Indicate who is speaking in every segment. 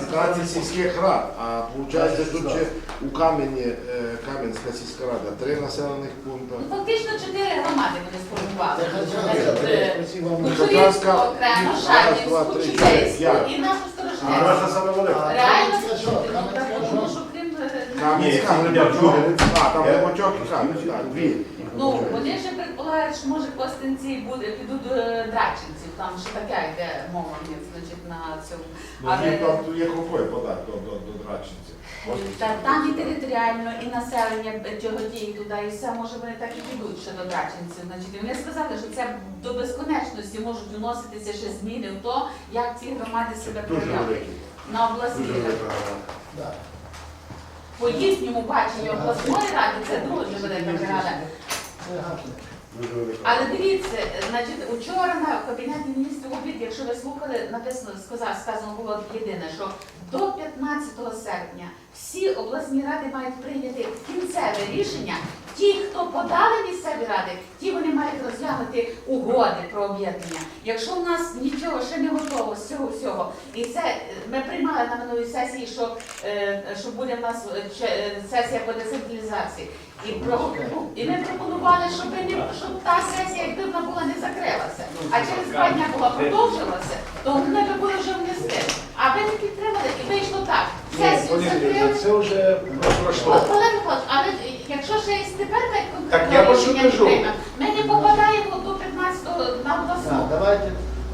Speaker 1: 15 сільських рад, а виходить тут ще у Кам'янська сільська рада 3 населених пункти.
Speaker 2: Ну, фактично 4 громади вони сформували.
Speaker 1: Кучерівську
Speaker 2: окремо, Шанівську, Чудейську і нашу Сторожнецьку.
Speaker 3: Можна саме велика.
Speaker 2: Реально, тому що крім...
Speaker 1: Кам'янська, Глибочок, там Глибочок і Кам'янська, дві.
Speaker 2: Ну, вони ще предполагають, що може Костянці підуть до Драченців, там ще така йде мова, значить, на цьому.
Speaker 1: Там є рукою подати до Драченців.
Speaker 2: Там і територіально, і населення тяготіє туди, і все, може вони так і підуть ще до Драченців. Значить, і вони сказали, що це до безконечності можуть вноситися ще зміни в то, як ці громади себе проявляють. На обласній раді. По їхньому баченню обласної ради це дуже велика рада. Але дивіться, значить, учора на Кабінеті міністрів обід, якщо ви слухали, написано, сказано було єдине, що до 15 серпня всі обласні ради мають прийняти кінцеве рішення. Ті, хто подали місцеві ради, ті вони мають розглянути угоди про об'єднання. Якщо в нас нічого ще не готово з цього всього, і це ми приймали на минулій сесії, що буде в нас сесія по децентралізації. І ми пропонували, щоб та сесія, якби вона була, не закрилася, а через 2 дні була продовжилася, то ми б були вже внести. А ви не підтримали, і вийшло так. Сесію закрили.
Speaker 3: Це вже пройшло.
Speaker 2: Олег Михайлович, але якщо ще і тепер
Speaker 3: Так я про що
Speaker 2: рішення не
Speaker 3: кажу.
Speaker 2: приймемо, ми не попадаємо до 15-го на обласну.
Speaker 4: Давайте.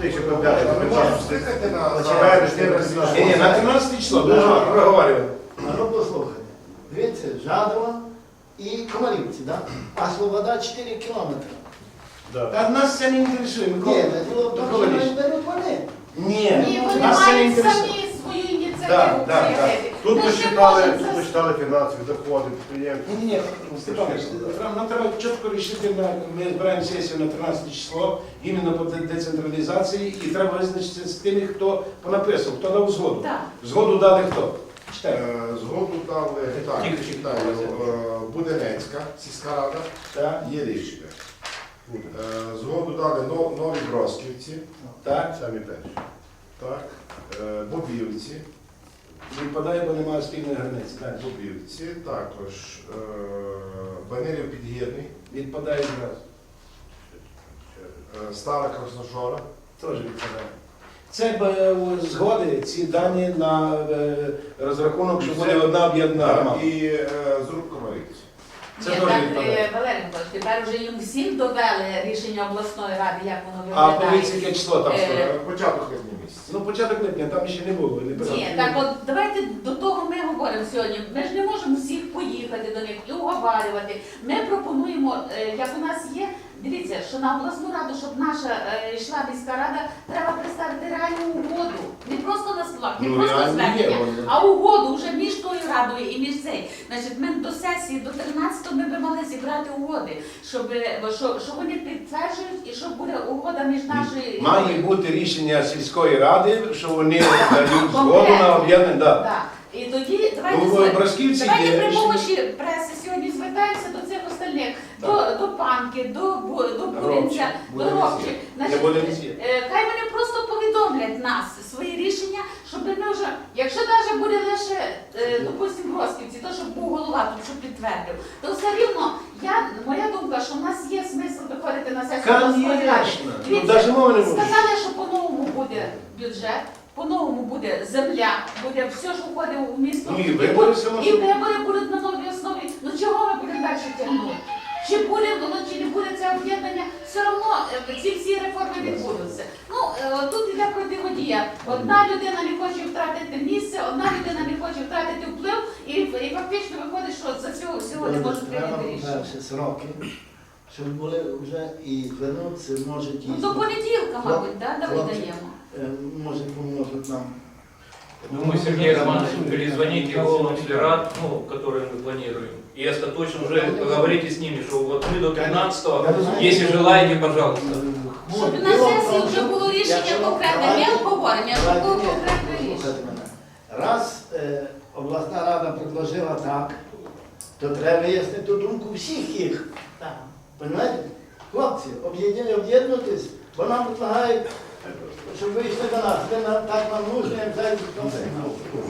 Speaker 3: Ні, на 13 число, дуже проговорювали.
Speaker 4: Ну, послухайте. Дивіться, Жадова і Комарівці, да? А Слобода 4 кілометри.
Speaker 3: Та нас це не інтересує.
Speaker 4: Ні, діло в тому, що вони беруть вони.
Speaker 2: Ні, вони
Speaker 3: нас це не
Speaker 2: мають
Speaker 3: інтересує.
Speaker 2: самі свою ініціативу
Speaker 3: Так.
Speaker 2: проявити.
Speaker 5: Тут
Speaker 2: Ми ж не
Speaker 5: посчитали,
Speaker 2: можемо
Speaker 5: тут
Speaker 2: це-
Speaker 5: посчитали фінансові доходи підприємців.
Speaker 3: Ні, Степанович, нам треба чітко рішити, ми збираємо сесію на 13 число, іменно по децентралізації, і треба визначитися з тими, хто понаписав, хто дав згоду.
Speaker 2: Так.
Speaker 3: Згоду дали хто? Читайте.
Speaker 1: Згоду дали, так,
Speaker 3: Тільки
Speaker 1: читаю, Буденецька сільська рада,
Speaker 3: Так,
Speaker 1: є рішення. Згоду дали Нові Бросківці,
Speaker 3: так.
Speaker 5: Самі перші.
Speaker 1: так, Бобівці,
Speaker 3: Відпадає, бо немає спільної границі. Так.
Speaker 1: Бобівці, також Банилів Підгірний,
Speaker 3: Відпадає відразу.
Speaker 1: Стара Красножора,
Speaker 3: Теж відпадає. Це згоди, ці дані на розрахунок, що буде одна об'єднана громада.
Speaker 1: і Зруб Комарівці.
Speaker 3: Це
Speaker 2: Ні,
Speaker 3: теж
Speaker 2: так,
Speaker 3: відпадає.
Speaker 2: Валерій Миколаївич, тепер вже їм всім довели рішення обласної ради, як воно
Speaker 3: А
Speaker 2: виглядає.
Speaker 3: подивіться, яке число там стоїть.
Speaker 1: Початок липня місяця.
Speaker 3: Ну, початок липня, там ще не було. Не
Speaker 2: Ні, так от давайте до того ми говоримо сьогодні. Ми ж не можемо всіх поїхати до них і уговарювати. Ми пропонуємо, як у нас є, дивіться, що на обласну раду, щоб наша йшла міська рада, треба представити реальну угоду. Не просто на словах, не
Speaker 3: Ну,
Speaker 2: просто
Speaker 3: реально є,
Speaker 2: звернення,
Speaker 3: вони.
Speaker 2: а угоду вже між тою радою і між цей. Значить, ми до сесії, до 13-го ми би мали зібрати угоди, що вони підтверджують і щоб буде угода між нашою...
Speaker 3: Має бути рішення сільської ради, що вони дають згоду на об'єднання. Да.
Speaker 2: Так. І тоді давайте,
Speaker 3: Ну, в Бросківці є
Speaker 2: давайте при
Speaker 3: рішення.
Speaker 2: помощі преси сьогодні звертаємося до цих остальних, до Панки, до Буринця, до Робчих. Значить, хай вони просто повідомлять нас свої рішення, щоб ми вже, якщо навіть буде лише, допустимо, в Бросківці, то щоб був голова тут, щоб підтвердив, то все рівно, моя думка, що в нас є смисл виходити на сесію обласної ради.
Speaker 3: Конечно. Ну,
Speaker 2: Дивіться,
Speaker 3: навіть мови не може.
Speaker 2: сказали, що по-новому буде бюджет, по-новому буде земля, буде все, що входить у місто.
Speaker 3: Ну, і вибори все
Speaker 2: І вибори будуть на новій основі. Ну чого ми будемо далі тягнути? Чи буде воно, чи не буде це об'єднання, все одно ці всі реформи відбудуться. Ну, тут йде противодія. Одна людина не хоче втратити місце, одна людина не хоче втратити вплив, і фактично виходить, що за цього всього не можуть прийняти рішення.
Speaker 4: Перші сроки, щоб були вже і звернутися, може ті...
Speaker 2: Ну, до понеділка, мабуть, да, даємо.
Speaker 4: Може, поможуть нам.
Speaker 6: Думаю, Сергей Романович, перезвоните его рад, которые мы планируем. И остаточно уже поговорите с ними, что вот мы до 13-го, если желаете, пожалуйста.
Speaker 2: Щоб на сесії вже було рішення конкретне, не обговорення, а щоб було конкретне рішення.
Speaker 4: Раз обласна рада предложила так, то треба вияснити ту думку всіх їх. Понимаєте? Хлопці, об'єднуйтесь, бо нам предлагають, щоб ви йшли до нас. Так нам нужно, як зайдуть в конце.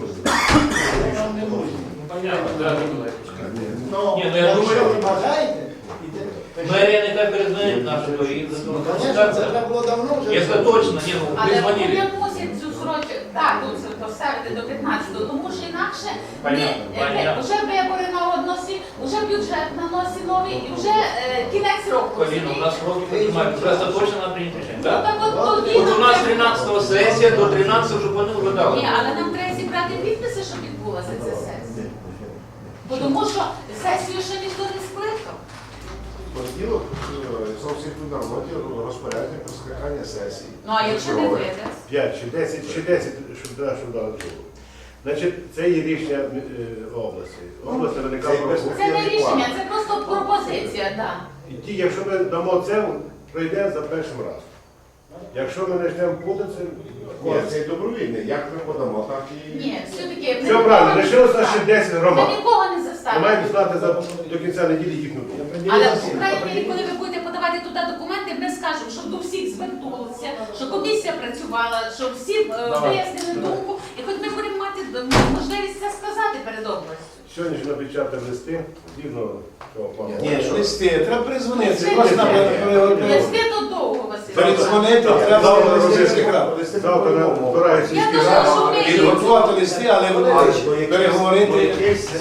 Speaker 6: Понятно, да, Николай.
Speaker 4: Ну,
Speaker 6: Ні, ну, я
Speaker 4: якщо
Speaker 6: думаю-
Speaker 4: ви бажаєте,
Speaker 6: Мэрия нехай перезвонит нашу и
Speaker 4: ну, звісно, це треба було давно вже.
Speaker 6: Если точно, не, ну,
Speaker 2: Але
Speaker 6: вы
Speaker 2: вони
Speaker 6: звонили.
Speaker 2: мусять цю дату це поставити до 15-го, тому що інакше
Speaker 6: Понятно.
Speaker 2: вже вибори на односі, вже бюджет на носі новий і вже кінець року.
Speaker 6: Полина, у нас сроки понимают, уже остаточно надо принять решение.
Speaker 2: Ну
Speaker 6: Да?
Speaker 2: так от тоді
Speaker 6: Вот у
Speaker 2: нам
Speaker 6: нас
Speaker 2: треба-
Speaker 6: 13 сессия, до 13 уже планы уже дали.
Speaker 2: Ні, але нам треба зібрати підписи, щоб відбулася ця сесія. Бо тому що сесію ще ніхто не скликав.
Speaker 1: Понеділок зовсім на роботі розпорядження про скликання сесії.
Speaker 2: Ну а якщо не вийде?
Speaker 5: 5 чи 10, щоб дали другу. Значить, це є рішення області. Область виникала
Speaker 2: Це не рішення, це просто пропозиція, так.
Speaker 5: І ті, якщо ми дамо це, пройде за першим разом. Якщо ми почнемо путатися,
Speaker 1: Ні, це добровільне. Як ми подамо, так і...
Speaker 2: Ні, все-таки
Speaker 5: все правильно, лишилося ще 10
Speaker 2: Ми
Speaker 5: громад.
Speaker 2: нікого не
Speaker 5: Ми
Speaker 2: заставимо.
Speaker 5: маємо знати до кінця неділі їхню думку.
Speaker 2: Але в Україні, коли ви будете подавати туди документи, ми скажемо, щоб до всіх звернулися, що комісія працювала, щоб всі вияснили думку, і хоч ми будемо мати можливість це сказати перед областю.
Speaker 5: Сьогодні ж напечатали листи, згідно цього плану.
Speaker 3: Ні, листи, треба перезвонити.
Speaker 2: Листи
Speaker 3: Просто нам
Speaker 2: Листи то довго, Василь.
Speaker 3: передзвонити, треба
Speaker 5: Завтра
Speaker 3: до
Speaker 5: розгляд.
Speaker 3: сільських рад.
Speaker 5: Завтра збирається
Speaker 2: Я
Speaker 5: сільські
Speaker 2: думаю, що
Speaker 5: ради.
Speaker 2: ми-
Speaker 3: Підготувати листи, але переговорити.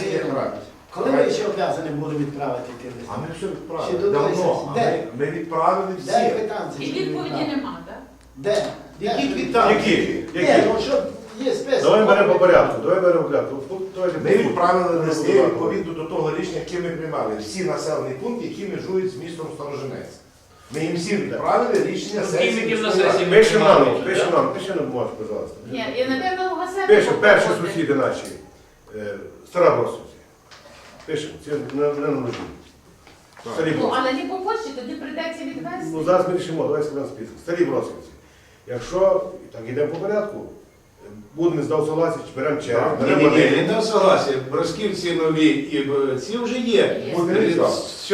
Speaker 4: Коли ми ще обов'язані були відправити ті листи?
Speaker 1: А ми все
Speaker 4: Ще
Speaker 1: відправили.
Speaker 4: до
Speaker 1: Давно.
Speaker 4: сесії.
Speaker 1: А
Speaker 4: Де?
Speaker 1: Ми відправили
Speaker 4: Де
Speaker 1: всі.
Speaker 4: квитанції?
Speaker 2: І
Speaker 4: що
Speaker 2: відповіді
Speaker 4: відправили?
Speaker 2: нема, так?
Speaker 4: Де?
Speaker 3: Які
Speaker 4: Де?
Speaker 3: квитанції?
Speaker 5: Які?
Speaker 4: Ні,
Speaker 5: Які?
Speaker 4: ну що є список.
Speaker 5: Давай беремо по порядку, давай беремо по порядку.
Speaker 1: Ми відправили листи відповідно до того рішення, яке ми приймали. Всі населені пункти, які межують з містом Сторожинець. Ми їм всім відправили рішення сесії.
Speaker 6: Яким на
Speaker 1: міської ради.
Speaker 6: сесії?
Speaker 5: Пишемо нам, пишемо нам, пиши нам, можеш, пожалуйста.
Speaker 2: Ні, і, напевно, у Василя...
Speaker 5: Пишемо, перші сусіди наші, Стара Бросівці. Пишемо, це не нужно. Старі
Speaker 2: Ну,
Speaker 5: Бросівці.
Speaker 2: але не по почті, тоді прийдеться відвести.
Speaker 5: Ну, зараз ми рішимо, давай складемо список. Старі Бросівці. Якщо, так йдемо по порядку, будемо здав согласі, беремо черг, беремо
Speaker 3: Ні,
Speaker 5: один.
Speaker 3: не дав согласія. Бросківці нові і ці вже є.
Speaker 2: Є.
Speaker 5: Буде різав.
Speaker 3: Все.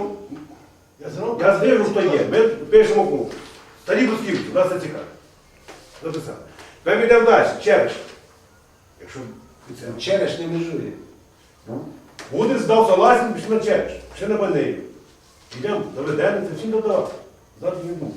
Speaker 5: Я знижу, хто є. Ми пишемо круг. Старі Брусківці, нас це цікаво. Записали. Ми йдемо далі, Череш. Якщо це
Speaker 3: Череш не межує.
Speaker 5: буде здав согласен, пішли на Череш, ще на Банею. Йдемо до Веденниця, всім додав. Завтра не був.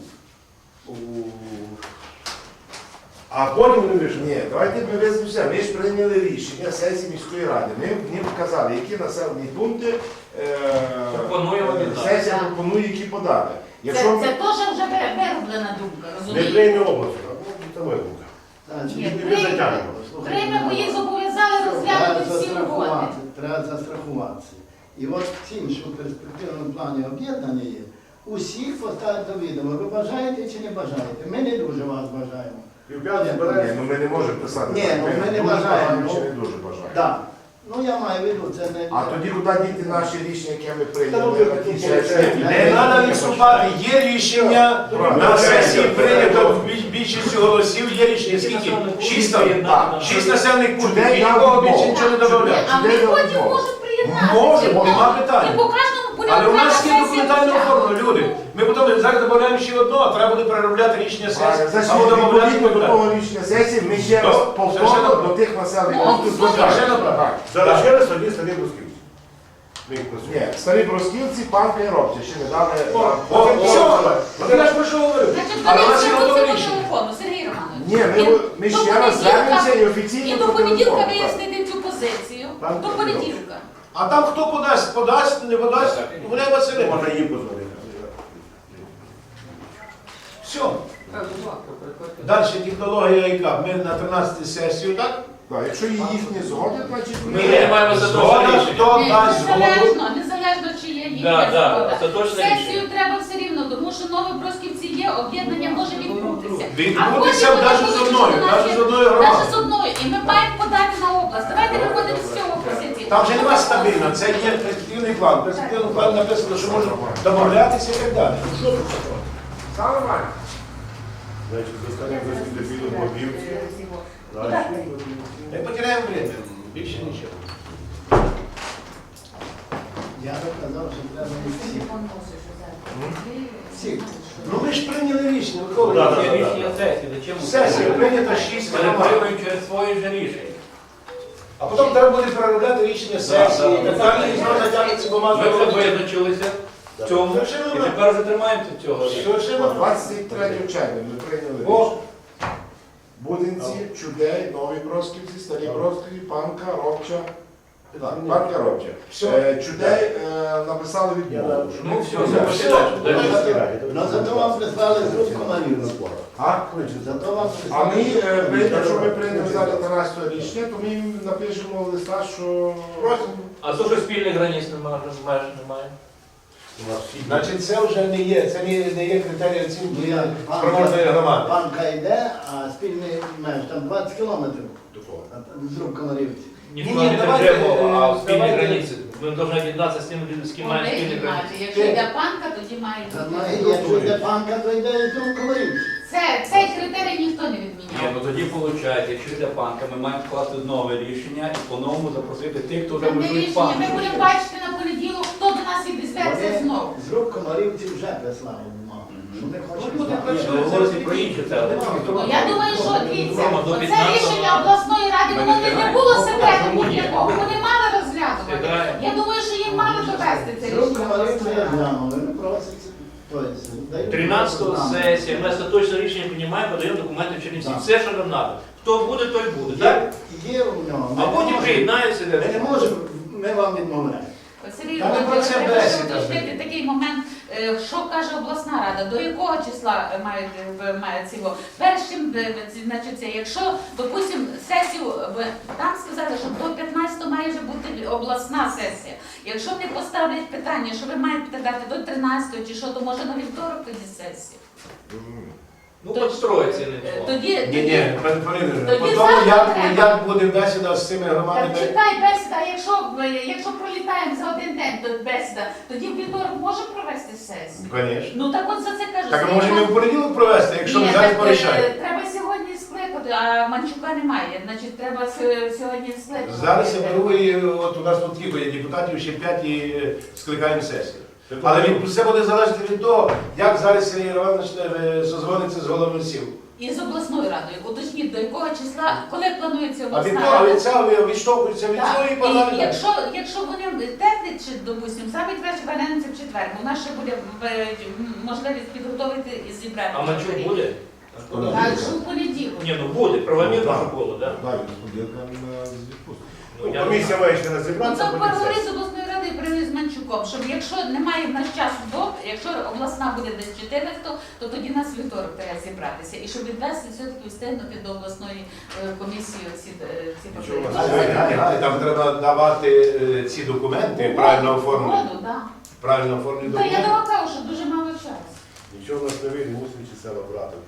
Speaker 5: А потім вони вирішили.
Speaker 1: Ні, давайте ми визначимося. Ми ж прийняли рішення сесії міської ради. Ми їм вказали, які населені пункти
Speaker 6: Пропонуємо віддати.
Speaker 1: сесія пропонує, які подати.
Speaker 2: Це
Speaker 1: Якщо ми-
Speaker 2: теж вже вироблена думка,
Speaker 5: Не
Speaker 2: розумієте?
Speaker 5: прийме область. Це моя думка.
Speaker 4: Значить,
Speaker 2: Ні,
Speaker 5: Ми затягнемо.
Speaker 2: Прийме, бо їх зобов'язали розглянути всі угоди.
Speaker 4: Треба застрахуватися. І от тим, що в перспективному плані об'єднання є, усіх поставити до відома. Ви бажаєте чи не бажаєте? Ми не дуже вас бажаємо.
Speaker 5: І в п'ятницю
Speaker 1: Ні,
Speaker 5: збирається.
Speaker 1: ну ми не можемо писати.
Speaker 4: Ні,
Speaker 1: так.
Speaker 4: ну ми не
Speaker 1: дуже
Speaker 4: бажаємо.
Speaker 1: чи не дуже бажаємо.
Speaker 4: Так. Ну я маю в виду, це не...
Speaker 1: А тоді куди діти наші рішення, яке ми
Speaker 5: Та
Speaker 1: прийняли
Speaker 5: ну,
Speaker 1: на тій сесії?
Speaker 3: Не треба відступати. Є рішення, на сесії прийнято більшістю голосів, є рішення. Скільки? 6 там? 6 населених пунктів. І нікого більше нічого не додавляє.
Speaker 2: А вони потім можуть приєднатися.
Speaker 3: Може,
Speaker 2: Бо-
Speaker 3: нема питань.
Speaker 2: І по кожному буде
Speaker 3: Але у нас
Speaker 2: окрема
Speaker 3: є
Speaker 2: сесія
Speaker 3: документально
Speaker 2: розглянута.
Speaker 3: оформлено, люди. Ми потім зараз додаємо ще одно, а треба буде переробляти рішення сесії.
Speaker 1: Значить,
Speaker 3: Або додавати
Speaker 1: відповідно до того рішення сесії, ми ще раз
Speaker 3: Так,
Speaker 1: повторно
Speaker 3: совершенно-
Speaker 1: до тих населених
Speaker 2: Ну,
Speaker 1: пунктів
Speaker 2: совершенно
Speaker 1: звертаємося.
Speaker 3: правильно.
Speaker 1: Так.
Speaker 5: Залишились тоді старі Брусківці. Ми їх просимо.
Speaker 1: Ні, старі бросківці, панка і робці ще не дали.
Speaker 3: Все, от я ж про що говорю.
Speaker 2: Значить,
Speaker 3: Але у
Speaker 2: вони
Speaker 3: нас є
Speaker 2: звернуться
Speaker 3: готове
Speaker 2: по
Speaker 3: рішення.
Speaker 2: телефону, Сергій Романович.
Speaker 1: Ні, ми
Speaker 2: До
Speaker 1: ще раз
Speaker 2: понеділка-
Speaker 1: звернемося і офіційно
Speaker 2: І до
Speaker 1: по
Speaker 2: понеділка
Speaker 1: телефону, так.
Speaker 2: вияснити цю позицію.
Speaker 5: Там
Speaker 2: До понеділка.
Speaker 3: А там хто подасть, не подасть, вони Василь.
Speaker 5: Можна їм позвонити.
Speaker 3: Все. Далі технологія яка? Ми на 13 сесію, так?
Speaker 1: Так, якщо їхні згодять, значить
Speaker 6: Ми приймаємо
Speaker 3: Згода,
Speaker 6: остаточне рішення.
Speaker 3: хто дасть згоду.
Speaker 2: Незалежно, чи є їхня
Speaker 6: Да, да,
Speaker 2: згода.
Speaker 6: остаточне
Speaker 2: Сесію
Speaker 6: рішення.
Speaker 2: треба все рівно, тому що Новобросківці є, об'єднання може відбутися.
Speaker 3: Відбутися
Speaker 2: потім
Speaker 3: навіть
Speaker 2: вони
Speaker 3: з
Speaker 2: будуть
Speaker 3: одною,
Speaker 2: виконати-
Speaker 3: навіть з одною
Speaker 2: Навіть
Speaker 3: громадою.
Speaker 2: з одною. І ми маємо подати на область. Давайте виходимо з цього позиції.
Speaker 3: Там вже нема стабільно, це є перспективний план. В перспективному плані написано, що можна домовлятися і так далі. Ну, що тут такого?
Speaker 1: Саме нормально.
Speaker 5: Значить, до старих Брусківців підуть Бобівці.
Speaker 3: Ми потеряємо время, більше нічого.
Speaker 4: Я би казав, що треба всіх. Всіх.
Speaker 3: Ну ми ж прийняли рішення, Микола.
Speaker 5: Да, да,
Speaker 6: Є
Speaker 5: да.
Speaker 6: рішення сесії, зачем?
Speaker 3: Сесія прийнята 6
Speaker 6: Вони
Speaker 3: громад.
Speaker 6: приймають через своє ж рішення.
Speaker 3: А потім треба буде переробляти рішення сесії, і так далі, і знову затягнеться
Speaker 6: Ми
Speaker 3: бумага.
Speaker 6: вже визначилися в цьому,
Speaker 3: Совершенно
Speaker 6: і
Speaker 3: правильно.
Speaker 6: тепер вже тримаємося цього.
Speaker 3: Совершенно
Speaker 1: 23 червня ми прийняли
Speaker 3: О.
Speaker 1: рішення. Будинці, Чудей, Нові Бросківці, Старі Бросківці, Панка, Робча. Так, Панка, Робча.
Speaker 3: Все.
Speaker 1: Чудей написали відмову. що
Speaker 6: Ну все,
Speaker 3: Ну,
Speaker 6: все, дальше.
Speaker 4: Ну зато вам прислали з рук комарів.
Speaker 1: А?
Speaker 4: Зато вам
Speaker 1: А ми,
Speaker 4: прислали.
Speaker 1: якщо ми прийдемо зараз 13 рішення, то ми їм напишемо в листа, що
Speaker 6: А то, що спільних границь немає, меж немає.
Speaker 3: Значить, це вже не є, це не є критерій
Speaker 4: Ну,
Speaker 3: оцінки
Speaker 4: як
Speaker 3: спроможної громади.
Speaker 4: Банка йде, а спільний меж там 20 кілометрів з рук комарівці.
Speaker 6: Не
Speaker 3: Ні,
Speaker 6: в плане
Speaker 3: давайте,
Speaker 6: бюджету, а в спільні
Speaker 3: давайте.
Speaker 6: границі. Ми повинні об'єднатися з тими, з ким маємо спільні
Speaker 2: Вони
Speaker 6: границі.
Speaker 2: мають. Якщо йде панка, тоді мають
Speaker 4: Та,
Speaker 2: бути.
Speaker 4: ну, Якщо йде банка, то йде і з рук комарівці.
Speaker 2: Цей критерій ніхто не
Speaker 7: Ні,
Speaker 2: відміняв.
Speaker 7: ну тоді виходить, якщо йде банка, ми маємо вкласти нове рішення і по-новому запросити тих, хто вже
Speaker 2: Це не
Speaker 7: межує
Speaker 2: рішення. Ми
Speaker 7: банку.
Speaker 2: будемо бачити на понеділок, хто до нас відізветься знову.
Speaker 4: З рук комарівці вже прислали бумагу. Що не хочуть
Speaker 3: Ну,
Speaker 4: знати.
Speaker 3: так,
Speaker 6: Ні, ну, говорити про інше треба.
Speaker 2: Ну, я думаю, що дивіться,
Speaker 6: Рома, до
Speaker 2: оце
Speaker 6: 15-го
Speaker 2: рішення обласної ради, воно не було секретом ніякого, вони мали розглядувати.
Speaker 6: Сідаємо.
Speaker 2: Я думаю, що їм мали довести це
Speaker 4: З рук
Speaker 2: рішення
Speaker 4: комарівці
Speaker 2: обласної
Speaker 4: я
Speaker 2: ради.
Speaker 4: глянули, вони просять. Тобто, дають
Speaker 6: 13-го
Speaker 4: нам.
Speaker 6: сесія, ми остаточне рішення приймаємо, подаємо документи в Чернівці. Все, що нам треба. Хто буде, той буде, так?
Speaker 4: Є у нього.
Speaker 6: А потім приєднаються.
Speaker 4: Ми не можемо, ми вам відмовляємо.
Speaker 2: Сергій
Speaker 3: Та не про це
Speaker 2: треба
Speaker 3: бесіда,
Speaker 2: ще уточнити
Speaker 3: блін.
Speaker 2: такий момент, що каже обласна рада, до якого числа мають цього. Першим, значить, це, якщо, допустимо, сесію, там сказали, що до 15 має вже бути обласна сесія. Якщо не поставлять питання, що ви маєте дати до 13 чи що, то може на вівторок тоді сесію.
Speaker 6: Ну, підстроїться не було.
Speaker 2: Тоді,
Speaker 3: Ні, пане Поліне, по
Speaker 2: Тоді
Speaker 3: тому,
Speaker 2: завтра треба.
Speaker 3: як буде бесіда з цими громадами.
Speaker 2: Так читай бесіда, якщо пролітаємо за один день до бесіда, тоді в вівторок може провести сесію.
Speaker 3: Звісно.
Speaker 2: Ну так от за це кажу.
Speaker 3: Так, а
Speaker 2: Сергій
Speaker 3: може ми в понеділок провести, якщо ми
Speaker 2: Ні,
Speaker 3: зараз
Speaker 2: так,
Speaker 3: порішаємо.
Speaker 2: треба сьогодні скликати, а Манчука немає. Значить, треба сьогодні скликати.
Speaker 3: Зараз я беру і от у нас тут кілька є депутатів, ще 5 і скликаємо сесію. Але все буде залежати від того, як зараз Сергій Іванович созвониться з головою сіл.
Speaker 2: І з обласною радою. Уточніть, до якого числа, коли планується
Speaker 3: А
Speaker 2: обласна
Speaker 3: від того
Speaker 2: рада.
Speaker 3: від цього відштовхуються від цього і
Speaker 2: Так,
Speaker 3: погнали
Speaker 2: і
Speaker 3: далі.
Speaker 2: якщо вони теплять, чи, допустимо, саме краще вернемося в четвер, бо у нас ще буде можливість підготовити і зібрати.
Speaker 6: А Манчук буде?
Speaker 2: Так, що в понеділок.
Speaker 6: Ні, ну буде, правомірно ж було, так?
Speaker 1: далі розподілка з відпустки.
Speaker 6: Ну, я
Speaker 5: Комісія має ще
Speaker 2: Ну,
Speaker 5: розібратися.
Speaker 2: це
Speaker 5: потім
Speaker 2: переговори
Speaker 5: сесія.
Speaker 2: з обласною радою привіз з Манчуком, щоб якщо немає в нас часу до, якщо обласна буде десь 14, то тоді нас вівторок треба зібратися. І щоб відвести все-таки встигнути до обласної комісії ці пропозиції.
Speaker 3: Там треба давати ці документи, правильно оформлені.
Speaker 2: Угоду, так.
Speaker 3: Правильно оформлені
Speaker 2: Та я
Speaker 3: документи.
Speaker 2: вам кажу, що дуже мало часу.
Speaker 5: Нічого в нас не вийде, мусимо ці села брати.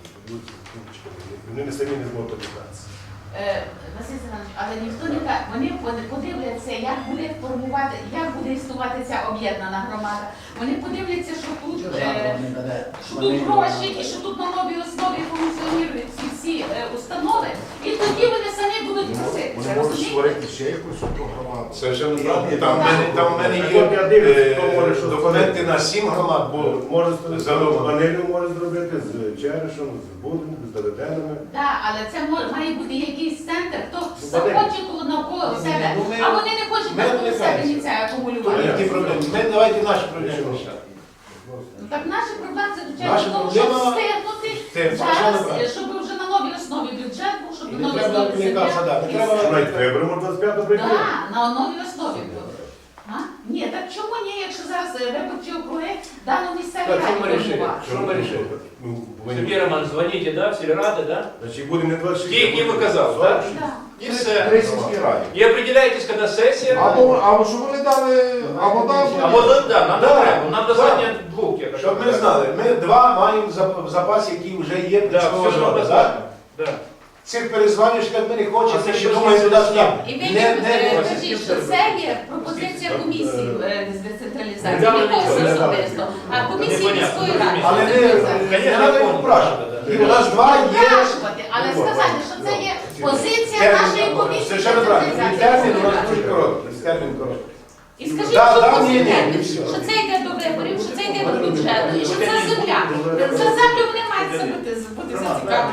Speaker 5: Вони не самі не зможуть об'єднатися.
Speaker 2: Василь Семенович, але ніхто не каже, вони подивляться, як буде формувати, як буде існувати ця об'єднана громада. Вони подивляться, що тут,
Speaker 4: Держава не бере.
Speaker 2: що тут гроші і що тут на новій основі функціонують ці всі установи. І тоді вони самі будуть просити.
Speaker 1: Вони
Speaker 2: Це
Speaker 1: можуть
Speaker 2: розумієте?
Speaker 1: створити ще якусь одну громаду.
Speaker 3: Совершенно правильно. Там в мене
Speaker 5: Так от я дивлюся, хто може
Speaker 3: є
Speaker 5: що
Speaker 3: документи на 7 громад, бо
Speaker 5: Може з
Speaker 3: Задумано.
Speaker 5: Ванилю може зробити, з Черешем, з Будом, з Давиденами.
Speaker 2: Так, але це має бути якийсь центр, хто
Speaker 5: Вадим.
Speaker 2: захоче навколо себе,
Speaker 3: Ну, ми-
Speaker 2: а вони не хочуть
Speaker 3: ми
Speaker 2: навколо себе
Speaker 3: відвлекаємося.
Speaker 2: ні це
Speaker 3: то
Speaker 2: акумулювати.
Speaker 3: які проблеми. Ми давайте наші проблеми рішати.
Speaker 2: Ну, так наші проблеми заключаються
Speaker 3: Наша
Speaker 2: в тому, щоб
Speaker 3: проблема-
Speaker 2: встигнути
Speaker 3: Совершенно
Speaker 2: зараз,
Speaker 3: правильно.
Speaker 2: щоб вже на новій основі бюджет був, щоб
Speaker 3: І
Speaker 2: на
Speaker 3: не
Speaker 2: новій
Speaker 3: треба
Speaker 2: основі
Speaker 3: комунікація, да, не треба-
Speaker 5: Що навіть виберемо 25 прийти.
Speaker 2: Так, на новій основі буде. А? Ні, так чому ні, якщо зараз виборчі округи дано місцеві
Speaker 6: Так, що ми
Speaker 2: раді
Speaker 6: рішили?
Speaker 2: формувати?
Speaker 6: Що ми рішили?
Speaker 5: Ну,
Speaker 6: Сергій Роман, дзвоніть, да, в сільради, да?
Speaker 5: Значить, буде не 26.
Speaker 6: Ті, які ви казали, так?
Speaker 2: Так.
Speaker 6: І все.
Speaker 1: Три сільські раді.
Speaker 6: І определяйтесь, коли сесія.
Speaker 1: Або що вони дали, або дали.
Speaker 6: Або да, нам
Speaker 3: Да,
Speaker 6: треба, нам
Speaker 3: да.
Speaker 6: достатньо двох. я
Speaker 3: Щоб
Speaker 6: кажу.
Speaker 3: ми знали, ми 2 маємо в запасі, які вже є
Speaker 6: Да,
Speaker 3: для свого
Speaker 6: все, що нам
Speaker 3: роду.
Speaker 6: достатньо. Да.
Speaker 3: Цих перезванюшків ми не
Speaker 6: А
Speaker 3: хочемо,
Speaker 6: це
Speaker 3: ще
Speaker 6: не
Speaker 3: думаємо туди
Speaker 6: просто
Speaker 3: сюди.
Speaker 2: І ви
Speaker 3: Не
Speaker 2: кажіть, що це є пропозиція комісії з децентралізації,
Speaker 6: Не дали
Speaker 2: не
Speaker 6: нічого,
Speaker 2: когось
Speaker 5: не дали.
Speaker 2: особисто, а комісії
Speaker 6: Непонятно,
Speaker 2: міської ради.
Speaker 3: Але не
Speaker 2: Децентралізації.
Speaker 3: не треба їх упрашувати. І у нас 2 є.
Speaker 2: Запрошувати, але сказати, що це є позиція нашої комісії з
Speaker 3: Совершенно правильно. І термін у нас
Speaker 2: децентралізації.
Speaker 3: дуже короткий. Термін короткий.
Speaker 2: І скажіть,
Speaker 3: Да,
Speaker 2: що
Speaker 3: да,
Speaker 2: це
Speaker 3: ні, ні,
Speaker 2: термін,
Speaker 3: все.
Speaker 2: що це йде до виборів, що це йде до бюджету, і що це земля. За землю вони мають бути зацікавлені. Що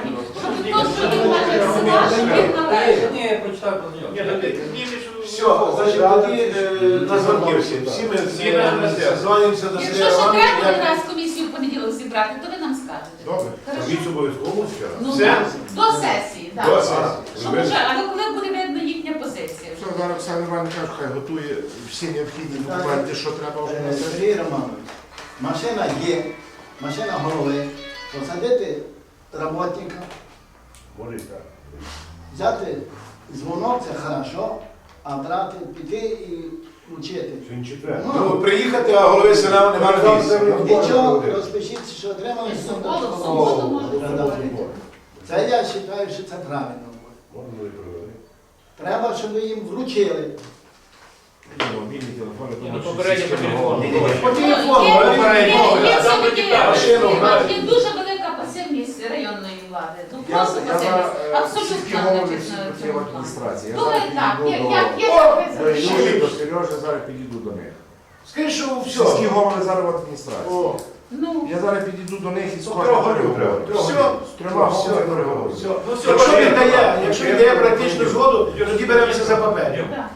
Speaker 2: щоб то, що він каже, села, щоб він належав.
Speaker 7: Ні, я прочитав про нього.
Speaker 6: Нет, ты поднимешь...
Speaker 3: Все, значить, тоді на звонки всі. Всі ми дзвонимося до
Speaker 2: Якщо
Speaker 3: Сергія
Speaker 2: ще треба
Speaker 3: Івановича.
Speaker 2: один раз комісію в понеділок зібрати, то ви нам скажете.
Speaker 1: Добре.
Speaker 2: Хорошо?
Speaker 5: Комісію обов'язково ще раз.
Speaker 2: Ну,
Speaker 3: Все?
Speaker 2: так. До сесії, так.
Speaker 3: До сесії.
Speaker 2: Щоб вже, але коли буде видно їхня позиція?
Speaker 1: Все, зараз Оксана Івановна каже, хай готує всі необхідні документи, що треба вже на сесію.
Speaker 4: Сергій Романович, машина є, машина голови, посадити роботника,
Speaker 5: Може і так.
Speaker 4: взяти дзвонок, це хорошо, а брати, піти і вчити.
Speaker 5: Сьогодні четвер.
Speaker 3: Ну, приїхати, а голови села немає на місці.
Speaker 4: Нічого, розпишіться, що отримали
Speaker 2: В
Speaker 4: суд.
Speaker 2: суботу, в суботу можна
Speaker 4: Продавати. Це я вважаю, що це правильно.
Speaker 5: Можна і провели.
Speaker 4: Треба, щоб ви їм вручили.
Speaker 1: Мобільні телефони,
Speaker 6: Ні,
Speaker 1: тому
Speaker 6: ну,
Speaker 1: що
Speaker 6: попередньо
Speaker 1: всі
Speaker 6: по телефону.
Speaker 1: говорять.
Speaker 3: По телефону,
Speaker 2: Є
Speaker 6: Там
Speaker 2: все-таки,
Speaker 6: деталі.
Speaker 3: Машину грають.
Speaker 2: є дуже велика пасивність районної влади. Ну
Speaker 1: Я
Speaker 2: просто
Speaker 1: зараз
Speaker 2: пасивність.
Speaker 1: сільські
Speaker 2: Абсолютно
Speaker 1: голови
Speaker 2: значить,
Speaker 1: всі
Speaker 2: на
Speaker 1: хотіли
Speaker 2: цьому
Speaker 1: в
Speaker 2: плані.
Speaker 1: адміністрації. Я
Speaker 2: Думаю,
Speaker 1: зараз
Speaker 2: так,
Speaker 1: підійду
Speaker 2: як
Speaker 1: до
Speaker 2: є
Speaker 1: Юлії,
Speaker 2: записано.
Speaker 1: до Сережі, зараз підійду до них.
Speaker 3: Скажи, що
Speaker 1: Сільські
Speaker 3: все.
Speaker 1: голови зараз в адміністрації.
Speaker 3: О,
Speaker 2: Ну,
Speaker 1: Я зараз підійду до них і з
Speaker 3: трьох
Speaker 1: кожним
Speaker 3: голів
Speaker 1: переговорю.
Speaker 3: треба.
Speaker 1: З трьома головами переговорю.
Speaker 3: Якщо він дає практичну згоду, тоді беремося за папері.
Speaker 2: так.